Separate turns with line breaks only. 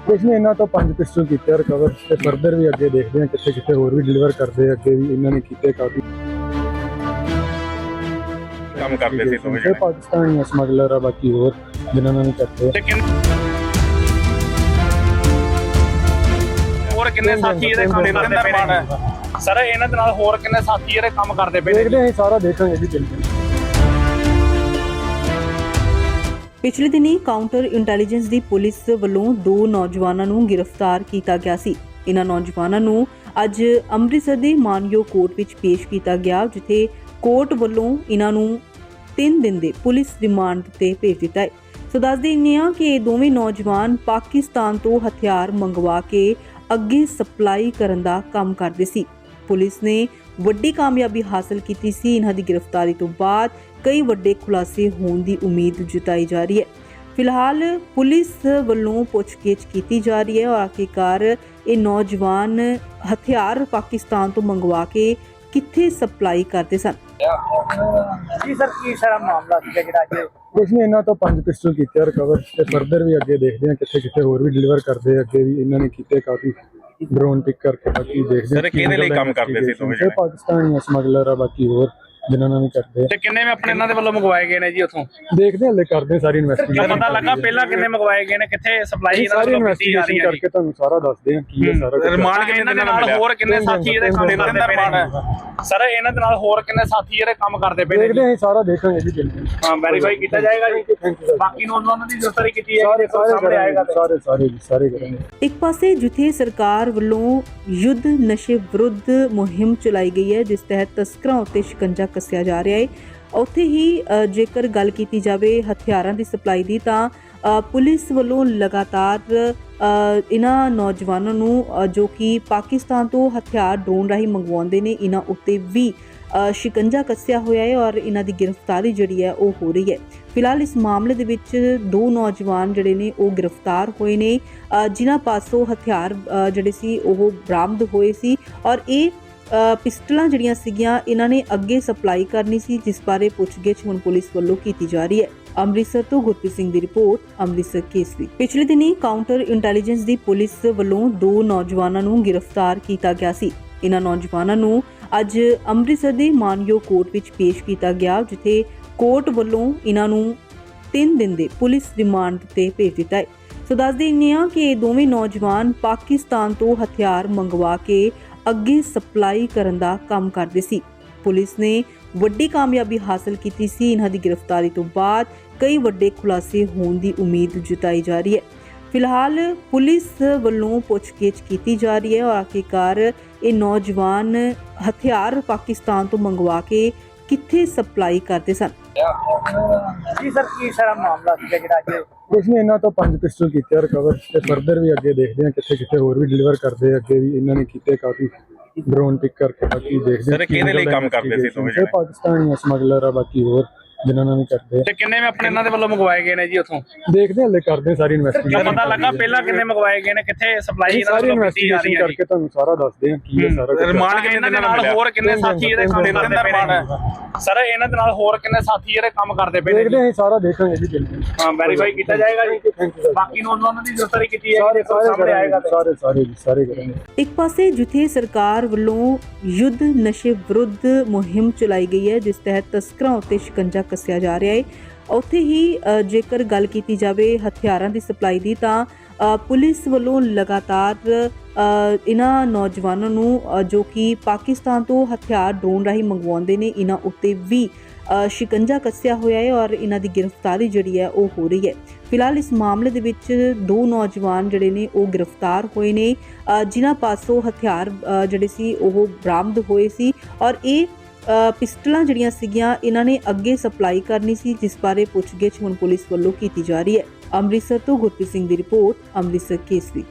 ਕੁਛ ਨਹੀਂ, ਇਹਨਾਂ ਤੋਂ 5 ਪਿਸਟਲ ਕੀਤੇ ਰਿਕਵਰ ਤੇ ਫਰਦਰ ਵੀ ਅੱਗੇ ਦੇਖਦੇ ਹਾਂ ਕਿੱਥੇ ਕਿੱਥੇ ਹੋਰ ਵੀ ਡਿਲੀਵਰ ਕਰਦੇ ਆ। ਅੱਗੇ ਵੀ ਇਹਨਾਂ ਨੇ ਕੀਤੇ ਕਾਫੀ
ਕੰਮ ਕਰਦੇ ਸੀ ਦੋਵੇਂ
ਇਹ ਪਾਕਿਸਤਾਨੀ ਸਮਗਲਰ ਆ, ਬਾਕੀ ਹੋਰ ਜਿਨ੍ਹਾਂ ਨਾਲ ਵੀ ਕਰਦੇ ਆ।
ਹੋਰ ਕਿੰਨੇ ਸਾਥੀ ਇਹਦੇ ਕੰਮ ਕਰਦੇ ਪਏ ਨੇ ਸਰ? ਇਹਨਾਂ ਦੇ ਨਾਲ ਹੋਰ ਕਿੰਨੇ ਸਾਥੀ ਇਹਦੇ ਕੰਮ ਕਰਦੇ ਪਏ ਨੇ?
ਦੇਖਦੇ ਹਾਂ, ਸਾਰਾ ਦੇਖਾਂਗੇ ਜੀ ਦਿਨ
ਪਿਛਲੇ ਦਿਨੀ ਕਾਊਂਟਰ ਇੰਟੈਲੀਜੈਂਸ ਦੀ ਪੁਲਿਸ ਵੱਲੋਂ 2 ਨੌਜਵਾਨਾਂ ਨੂੰ ਗ੍ਰਿਫਤਾਰ ਕੀਤਾ ਗਿਆ ਸੀ। ਇਹਨਾਂ ਨੌਜਵਾਨਾਂ ਨੂੰ ਅੱਜ ਅੰਮ੍ਰਿਤਸਰ ਦੇ ਮਾਨਯੋਗ ਕੋਰਟ ਵਿੱਚ ਪੇਸ਼ ਕੀਤਾ ਗਿਆ, ਜਿੱਥੇ ਕੋਰਟ ਵੱਲੋਂ ਇਹਨਾਂ ਨੂੰ 3 ਦਿਨ ਦੇ ਪੁਲਿਸ ਰਿਮਾਂਡ ਤੇ ਭੇਜ ਦਿੱਤਾ ਹੈ। ਸੋ ਦੱਸ ਦਿੰਦੇ ਹਾਂ ਕਿ ਇਹ ਦੋਵੇਂ ਨੌਜਵਾਨ ਪਾਕਿਸਤਾਨ ਤੋਂ ਹਥਿਆਰ ਮੰਗਵਾ ਕੇ ਅੱਗੇ ਸਪਲਾਈ ਕਰਨ ਦਾ ਕੰਮ ਕਰਦੇ ਸੀ। ਪੁਲਿਸ ਨੇ ਵੱਡੀ ਕਾਮਯਾਬੀ ਹਾਸਲ ਕੀਤੀ ਸੀ। ਇਹਨਾਂ ਦੀ ਗ੍ਰਿਫਤਾਰੀ ਤੋਂ ਬਾਅਦ ਕਈ ਵੱਡੇ ਖੁਲਾਸੇ ਹੋਣ ਦੀ ਉਮੀਦ ਜਤਾਈ ਜਾ ਰਹੀ ਹੈ। ਫਿਲਹਾਲ ਪੁਲਿਸ ਵੱਲੋਂ ਪੁੱਛਗਿੱਛ ਕੀਤੀ ਜਾ ਰਹੀ ਹੈ ਔਰ ਆਖਿਰਕਾਰ ਇਹ ਨੌਜਵਾਨ ਹਥਿਆਰ ਪਾਕਿਸਤਾਨ ਤੋਂ ਮੰਗਵਾ ਕੇ ਕਿੱਥੇ ਸਪਲਾਈ ਕਰਦੇ ਸਨ।
ਜੀ ਸਰ, ਕੀ ਸਾਰਾ ਮਾਮਲਾ ਸੀ ਜਿਹੜਾ ਅੱਜ?
ਕੁਛ ਨਹੀਂ, ਇਹਨਾਂ ਤੋਂ 5 ਪਿਸਟਲ ਕੀਤੇ ਰਿਕਵਰ ਤੇ ਫਰਦਰ ਵੀ ਅੱਗੇ ਦੇਖਦੇ ਹਾਂ ਕਿੱਥੇ ਕਿੱਥੇ ਹੋਰ ਵੀ ਡਿਲੀਵਰ ਕਰਦੇ ਆ। ਅੱਗੇ ਵੀ ਇਹਨਾਂ ਨੇ ਕੀਤੇ ਕਾਫੀ ਡਰੋਨ ਪਿਕ ਕਰਕੇ, ਬਾਕੀ ਦੇਖਦੇ
ਸਰ ਕਿਹਦੇ ਲਈ ਕੰਮ ਕਰਦੇ ਸੀ ਦੋਵੇਂ?
ਇਹ ਪਾਕਿਸਤਾਨੀ ਸਮਗਲਰ ਆ, ਬਾਕੀ ਹੋਰ ਜਿਨ੍ਹਾਂ ਨਾਲ ਵੀ ਕਰਦੇ ਆ।
ਤੇ ਕਿੰਨੇ ਆਪਣੇ ਇਹਨਾਂ ਦੇ ਵੱਲੋਂ ਮੰਗਵਾਏ ਗਏ ਨੇ ਜੀ ਉੱਥੋਂ?
ਦੇਖਦੇ ਹਾਂ, ਹਲੇ ਕਰਦੇ ਸਾਰੀ ਇਨਵੈਸਟੀਗੇਸ਼ਨ।
ਪਤਾ ਲੱਗਾ ਪਹਿਲਾਂ ਕਿੰਨੇ ਮੰਗਵਾਏ ਗਏ ਨੇ, ਕਿੱਥੇ ਸਪਲਾਈ ਇਹਨਾਂ
ਸਾਰੀ
ਵੱਲੋਂ ਕੀਤੀ ਜਾ ਰਹੀ
ਇਨਵੈਸਟੀਗੇਸ਼ਨ
ਹੈ
ਕਰਕੇ ਤੁਹਾਨੂੰ ਸਾਰਾ ਦੱਸਦੇ ਹਾਂ ਕੀ ਹੈ ਸਾਰਾ ਕੁਝ।
ਰਿਮਾਂਡ ਕਿੰਨੇ ਦਿਨਾਂ ਨਾਲ ਹੋਰ ਕਿੰਨੇ ਸਾਥੀ ਇਹਦੇ ਕੰਮ ਕਰਦੇ ਪਏ ਨੇ ਸਰ? ਇਹਨਾਂ ਦੇ ਨਾਲ ਹੋਰ ਕਿੰਨੇ ਸਾਥੀ ਇਹਦੇ ਕੰਮ ਕਰਦੇ ਪਏ ਨੇ?
ਦੇਖਦੇ ਹਾਂ, ਸਾਰਾ ਦੇਖਾਂਗੇ ਜੀ ਦਿਨ
ਹਾਂ, ਵੈਰੀਫਾਈ ਕੀਤਾ ਜਾਏਗਾ ਜੀ। ਬਾਕੀ ਨੌਜਵਾਨਾਂ ਦੀ ਗ੍ਰਿਫਤਾਰੀ ਕੀਤੀ ਹੈ, ਸਾਹਮਣੇ ਆਏਗਾ।
ਸਾਰੇ ਕਰਾਂਗੇ।
ਇੱਕ ਪਾਸੇ ਜਿੱਥੇ ਸਰਕਾਰ ਵੱਲੋਂ ਯੁੱਧ ਨਸ਼ੇ ਵਿਰੁੱਧ ਮੁਹਿੰਮ ਚਲਾਈ ਗਈ ਹੈ, ਜਿਸ ਤਹਿਤ ਤਸਕਰਾਂ ਉੱਤੇ ਸ਼ਿਕੰਜਾ ਕੱਸਿਆ ਜਾ ਰਿਹਾ ਹੈ, ਉੱਥੇ ਹੀ ਜੇਕਰ ਗੱਲ ਕੀਤੀ ਜਾਵੇ ਹਥਿਆਰਾਂ ਦੀ ਸਪਲਾਈ ਦੀ, ਤਾਂ ਪੁਲਿਸ ਵੱਲੋਂ ਲਗਾਤਾਰ ਇਹਨਾਂ ਨੌਜਵਾਨਾਂ ਨੂੰ ਜੋ ਕਿ ਪਾਕਿਸਤਾਨ ਤੋਂ ਹਥਿਆਰ ਡਰੋਨ ਰਾਹੀਂ ਮੰਗਵਾਉਂਦੇ ਨੇ, ਇਹਨਾਂ ਉੱਤੇ ਵੀ ਸ਼ਿਕੰਜਾ ਕੱਸਿਆ ਹੋਇਆ ਹੈ ਔਰ ਇਹਨਾਂ ਦੀ ਗ੍ਰਿਫਤਾਰੀ ਜਿਹੜੀ ਹੈ ਉਹ ਹੋ ਰਹੀ ਹੈ। ਫਿਲਹਾਲ ਇਸ ਮਾਮਲੇ ਦੇ ਵਿੱਚ 2 ਨੌਜਵਾਨ ਜਿਹੜੇ ਨੇ ਉਹ ਗ੍ਰਿਫਤਾਰ ਹੋਏ ਨੇ, ਜਿਨ੍ਹਾਂ ਪਾਸੋਂ ਹਥਿਆਰ ਜਿਹੜੇ ਸੀ ਉਹ ਬਰਾਮਦ ਹੋਏ ਸੀ ਔਰ ਇਹ ਪਿਸਟਲਾਂ ਜਿਹੜੀਆਂ ਸੀਗੀਆਂ ਇਹਨਾਂ ਨੇ ਅੱਗੇ ਸਪਲਾਈ ਕਰਨੀ ਸੀ, ਜਿਸ ਬਾਰੇ ਪੁੱਛਗਿੱਛ ਹੁਣ ਪੁਲਿਸ ਵੱਲੋਂ ਕੀਤੀ ਜਾ ਰਹੀ ਹੈ। ਅੰਮ੍ਰਿਤਸਰ ਤੋਂ ਗੁਰਪ੍ਰੀਤ ਸਿੰਘ ਦੀ ਰਿਪੋਰਟ, ਅੰਮ੍ਰਿਤਸਰ ਕੇਸਰੀ। ਪਿਛਲੇ ਦਿਨੀ ਕਾਊਂਟਰ ਇੰਟੈਲੀਜੈਂਸ ਦੀ ਪੁਲਿਸ ਵੱਲੋਂ 2 ਨੌਜਵਾਨਾਂ ਨੂੰ ਗ੍ਰਿਫਤਾਰ ਕੀਤਾ ਗਿਆ ਸੀ। ਇਹਨਾਂ ਨੌਜਵਾਨਾਂ ਨੂੰ ਅੱਜ ਅੰਮ੍ਰਿਤਸਰ ਦੇ ਮਾਨਯੋਗ ਕੋਰਟ ਵਿੱਚ ਪੇਸ਼ ਕੀਤਾ ਗਿਆ, ਜਿੱਥੇ ਕੋਰਟ ਵੱਲੋਂ ਇਹਨਾਂ ਨੂੰ 3 ਦਿਨ ਦੇ ਪੁਲਿਸ ਰਿਮਾਂਡ ਤੇ ਭੇਜ ਦਿੱਤਾ ਹੈ। ਸੋ ਦੱਸ ਦਿੰਦੇ ਹਾਂ ਕਿ ਇਹ ਦੋਵੇਂ ਨੌਜਵਾਨ ਪਾਕਿਸਤਾਨ ਤੋਂ ਹਥਿਆਰ ਮੰਗਵਾ ਕੇ ਅੱਗੇ ਸਪਲਾਈ ਕਰਨ ਦਾ ਕੰਮ ਕਰਦੇ ਸੀ। ਪੁਲਿਸ ਨੇ ਵੱਡੀ ਕਾਮਯਾਬੀ ਹਾਸਲ ਕੀਤੀ ਸੀ। ਇਹਨਾਂ ਦੀ ਗ੍ਰਿਫਤਾਰੀ ਤੋਂ ਬਾਅਦ ਕਈ ਵੱਡੇ ਖੁਲਾਸੇ ਹੋਣ ਦੀ ਉਮੀਦ ਜਤਾਈ ਜਾ ਰਹੀ ਹੈ। ਫਿਲਹਾਲ ਪੁਲਿਸ ਵੱਲੋਂ ਪੁੱਛਗਿੱਛ ਕੀਤੀ ਜਾ ਰਹੀ ਹੈ ਔਰ ਆਖਿਰਕਾਰ ਇਹ ਨੌਜਵਾਨ ਹਥਿਆਰ ਪਾਕਿਸਤਾਨ ਤੋਂ ਮੰਗਵਾ ਕੇ ਕਿੱਥੇ ਸਪਲਾਈ ਕਰਦੇ ਸਨ।
ਜੀ ਸਰ, ਕੀ ਸਾਰਾ ਮਾਮਲਾ ਸੀ ਜਿਹੜਾ ਅੱਜ?
ਕੁਛ ਨਹੀਂ, ਇਹਨਾਂ ਤੋਂ 5 ਪਿਸਟਲ ਕੀਤੇ ਰਿਕਵਰ ਤੇ ਫਰਦਰ ਵੀ ਅੱਗੇ ਦੇਖਦੇ ਹਾਂ ਕਿੱਥੇ ਕਿੱਥੇ ਹੋਰ ਵੀ ਡਿਲੀਵਰ ਕਰਦੇ ਆ। ਅੱਗੇ ਵੀ ਇਹਨਾਂ ਨੇ ਕੀਤੇ ਕਾਫੀ ਡਰੋਨ ਪਿਕ ਕਰਕੇ, ਬਾਕੀ ਦੇਖਦੇ ਹਾਂ
ਸਰ ਕਿਹਦੇ ਲਈ ਕੰਮ ਕਰਦੇ ਸੀ ਦੋਵੇਂ?
ਇਹ ਪਾਕਿਸਤਾਨੀ ਸਮਗਲਰ ਆ, ਬਾਕੀ ਹੋਰ ਜਿਨ੍ਹਾਂ ਨਾਲ ਵੀ ਕਰਦੇ ਆ।
ਤੇ ਕਿੰਨੇ ਆਪਣੇ ਇਹਨਾਂ ਦੇ ਵੱਲੋਂ ਮੰਗਵਾਏ ਗਏ ਨੇ ਜੀ ਉੱਥੋਂ?
ਦੇਖਦੇ ਹਾਂ, ਹਲੇ ਕਰਦੇ ਸਾਰੀ ਇਨਵੈਸਟੀਗੇਸ਼ਨ।
ਪਤਾ ਲੱਗਾ ਪਹਿਲਾਂ ਕਿੰਨੇ ਮੰਗਵਾਏ ਗਏ ਨੇ, ਕਿੱਥੇ ਸਪਲਾਈ ਇਹਨਾਂ
ਸਾਰੀ
ਵੱਲੋਂ ਕੀਤੀ ਜਾ ਰਹੀ
ਇਨਵੈਸਟੀਗੇਸ਼ਨ
ਹੈ?
ਕਰਕੇ ਤੁਹਾਨੂੰ ਸਾਰਾ ਦੱਸਦੇ ਹਾਂ ਕੀ ਹੈ ਸਾਰਾ ਕੁਝ।
ਰਿਮਾਂਡ ਕਿੰਨੇ ਦਿਨਾਂ ਨਾਲ ਹੋਰ ਕਿੰਨੇ ਸਾਥੀ ਇਹਦੇ ਕੰਮ ਕਰਦੇ ਪਏ ਨੇ ਸਰ? ਇਹਨਾਂ ਦੇ ਨਾਲ ਹੋਰ ਕਿੰਨੇ ਸਾਥੀ ਇਹਦੇ ਕੰਮ ਕਰਦੇ ਪਏ ਨੇ?
ਦੇਖਦੇ ਹਾਂ, ਸਾਰਾ ਦੇਖਾਂਗੇ ਜੀ ਦਿਨ
ਹਾਂ, ਵੈਰੀਫਾਈ ਕੀਤਾ ਜਾਏਗਾ ਜੀ। ਬਾਕੀ ਨੌਜਵਾਨਾਂ ਦੀ ਗ੍ਰਿਫਤਾਰੀ ਕੀਤੀ ਹੈ, ਸਾਹਮਣੇ ਆਏਗਾ।
ਸਾਰੇ ਕਰਾਂਗੇ।
ਇੱਕ ਪਾਸੇ ਜਿੱਥੇ ਸਰਕਾਰ ਵੱਲੋਂ ਯੁੱਧ ਨਸ਼ੇ ਵਿਰੁੱਧ ਮੁਹਿੰਮ ਚਲਾਈ ਗਈ ਹੈ, ਜਿਸ ਤਹਿਤ ਤਸਕਰਾਂ ਉੱਤੇ ਸ਼ਿਕੰਜਾ ਕੱਸਿਆ ਜਾ ਰਿਹਾ ਹੈ, ਉੱਥੇ ਹੀ ਜੇਕਰ ਗੱਲ ਕੀਤੀ ਜਾਵੇ ਹਥਿਆਰਾਂ ਦੀ ਸਪਲਾਈ ਦੀ, ਤਾਂ ਪੁਲਿਸ ਵੱਲੋਂ ਲਗਾਤਾਰ ਇਹਨਾਂ ਨੌਜਵਾਨਾਂ ਨੂੰ ਜੋ ਕਿ ਪਾਕਿਸਤਾਨ ਤੋਂ ਹਥਿਆਰ ਡਰੋਨ ਰਾਹੀਂ ਮੰਗਵਾਉਂਦੇ ਨੇ, ਇਹਨਾਂ ਉੱਤੇ ਵੀ ਸ਼ਿਕੰਜਾ ਕੱਸਿਆ ਹੋਇਆ ਹੈ ਔਰ ਇਹਨਾਂ ਦੀ ਗ੍ਰਿਫਤਾਰੀ ਜਿਹੜੀ ਹੈ ਉਹ ਹੋ ਰਹੀ ਹੈ। ਫਿਲਹਾਲ ਇਸ ਮਾਮਲੇ ਦੇ ਵਿੱਚ 2 ਨੌਜਵਾਨ ਜਿਹੜੇ ਨੇ ਉਹ ਗ੍ਰਿਫਤਾਰ ਹੋਏ ਨੇ, ਜਿਨ੍ਹਾਂ ਪਾਸੋਂ ਹਥਿਆਰ ਜਿਹੜੇ ਸੀ ਉਹ ਬਰਾਮਦ ਹੋਏ ਸੀ ਔਰ ਇਹ ਪਿਸਟਲਾਂ ਜਿਹੜੀਆਂ ਸੀਗੀਆਂ ਇਹਨਾਂ ਨੇ ਅੱਗੇ ਸਪਲਾਈ ਕਰਨੀ ਸੀ, ਜਿਸ ਬਾਰੇ ਪੁੱਛਗਿੱਛ ਹੁਣ ਪੁਲਿਸ ਵੱਲੋਂ ਕੀਤੀ ਜਾ ਰਹੀ ਹੈ। ਅੰਮ੍ਰਿਤਸਰ ਤੋਂ ਗੁਰਪ੍ਰੀਤ ਸਿੰਘ ਦੀ ਰਿਪੋਰਟ, ਅੰਮ੍ਰਿਤਸਰ ਕੇਸਰੀ।